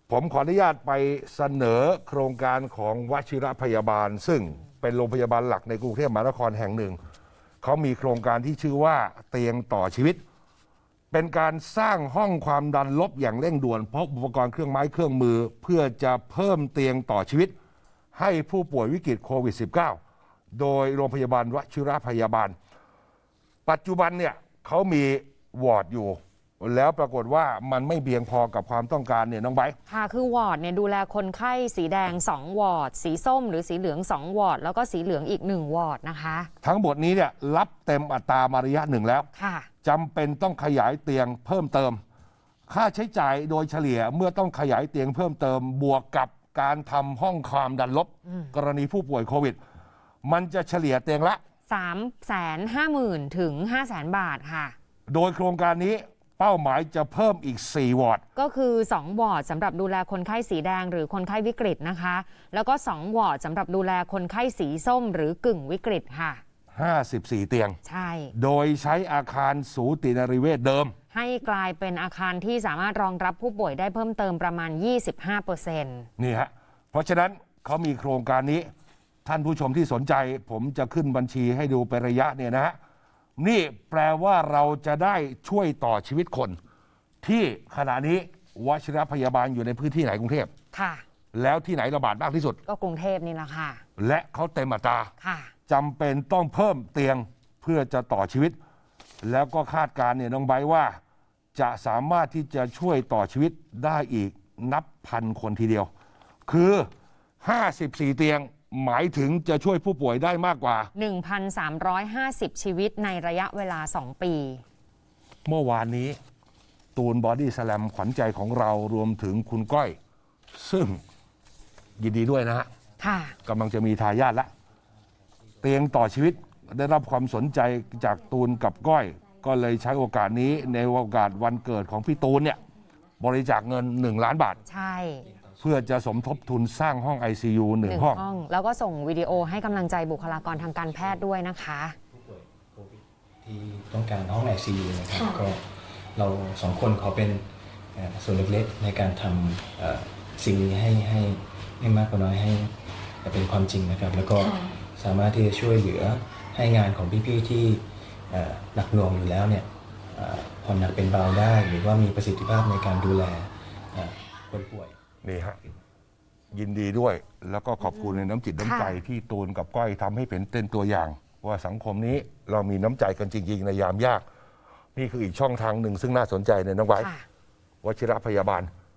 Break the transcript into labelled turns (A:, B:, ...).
A: ผมขออนุญาตไปเสนอโครงการของวชิรพยาบาลซึ่งเป็นโรงพยาบาลหลักในกรุงเทพมหานครแห่งหนึ่งเขามีโครงการที่ชื่อว่าเตียงต่อชีวิตเป็นการสร้างห้องความดันลบอย่างเร่งด่วนพบอุปกรณ์เครื่องไม้เครื่องมือเพื่อจะเพิ่มเตียงต่อชีวิตให้ผู้ป่วยวิกฤตโควิด -19 โดยโรงพยาบาลวชิรพยาบาลปัจจุบันเนี่ยเขามีวอร์ดอยู่แล้วปรากฏว่ามันไม่เพียงพอกับความต้องการเนี่ยน้องไบร์ท
B: ค่ะคือวอร์ดเนี่ยดูแลคนไข้สีแดง2วอร์ดสีส้มหรือสีเหลือง2วอร์ดแล้วก็สีเหลืองอีก1วอร์ดนะคะ
A: ทั้งหมดนี้เนี่ยรับเต็มอัตรามาระยะหนึ่งแล้ว
B: ค่ะ
A: จำเป็นต้องขยายเตียงเพิ่มเติมค่าใช้จ่ายโดยเฉลี่ยเมื่อต้องขยายเตียงเพิ่มเติมบวกกับการทำห้องความดันลบกรณีผู้ป่วยโควิดมันจะเฉลี่ยเตียงละ
B: 350,000 ถึง 500,000 บาทค่ะ
A: โดยโครงการนี้เป้าหมายจะเพิ่มอีก4วอร์ด
B: ก็คือ2วอร์ดสำหรับดูแลคนไข้สีแดงหรือคนไข้วิกฤตนะคะแล้วก็2วอร์ดสำหรับดูแลคนไข้สีส้มหรือกึ่งวิกฤตค่ะ
A: 54เตียง
B: ใช่
A: โดยใช้อาคารสูตินรีเวชเดิม
B: ให้กลายเป็นอาคารที่สามารถรองรับผู้ป่วยได้เพิ่มเติมประมาณ 25%
A: นี่ฮะเพราะฉะนั้นเขามีโครงการนี้ท่านผู้ชมที่สนใจผมจะขึ้นบัญชีให้ดูเป็นระยะเนี่ยนะฮะนี่แปลว่าเราจะได้ช่วยต่อชีวิตคนที่ขณะนี้วชิรพยาบาลอยู่ในพื้นที่ไหนกรุงเทพ
B: ค่ะ
A: แล้วที่ไหนระบาดมากที่สุด
B: ก็กรุงเทพนี่แหละค่ะ
A: และเขาเต็มอัตรา
B: ค่ะ
A: จำเป็นต้องเพิ่มเตียงเพื่อจะต่อชีวิตแล้วก็คาดการณ์เนี่ยน้องไบร์ทว่าจะสามารถที่จะช่วยต่อชีวิตได้อีกนับพันคนทีเดียวคือ54เตียงหมายถึงจะช่วยผู้ป่วยได้มากกว่า
B: 1,350 ชีวิตในระยะเวลา2ปี
A: เมื่อวานนี้ตูนบอดี้สแลมขวัญใจของเรารวมถึงคุณก้อยซึ่งยินดีด้วยนะฮะกำลังจะมีทายาทละเตียงต่อชีวิตได้รับความสนใจจากตูนกับก้อยก็เลยใช้โอกาสนี้ในโอกาสวันเกิดของพี่ตูนเนี่ยบริจาคเงิน1 ล้านบาท
B: ใช่
A: เพื่อจะสมทบทุนสร้างห้อง ICU 1 ห้อง
B: แล้วก็ส่งวิดีโอให้กำลังใจบุคลากรทางการแพทย์ด้วยนะคะ
C: ผู้ป่วยโควิดที่ต้องการห้อง ICU นะครับก็เรา2 คนขอเป็นส่วนเล็กๆในการทำสิ่งนี้ให้มากกว่าน้อยให้เป็นความจริงนะครับแล้วก็สามารถที่จะช่วยเหลือให้งานของพี่ๆที่หนักหน่วงอยู่แล้วเนี่ยผ่อนหนักเป็นเบาได้หรือว่ามีประสิทธิภาพในการดูแลคนป่วย
A: นี่ฮะยินดีด้วยแล้วก็ขอบคุณในน้ำจิตน้ำใจที่ตูนกับก้อยทำให้เป็นตัวอย่างว่าสังคมนี้เรามีน้ำใจกันจริงๆในยามยากนี่คืออีกช่องทางหนึ่งซึ่งน่าสนใจในน้องไว้วชิรพยาบาล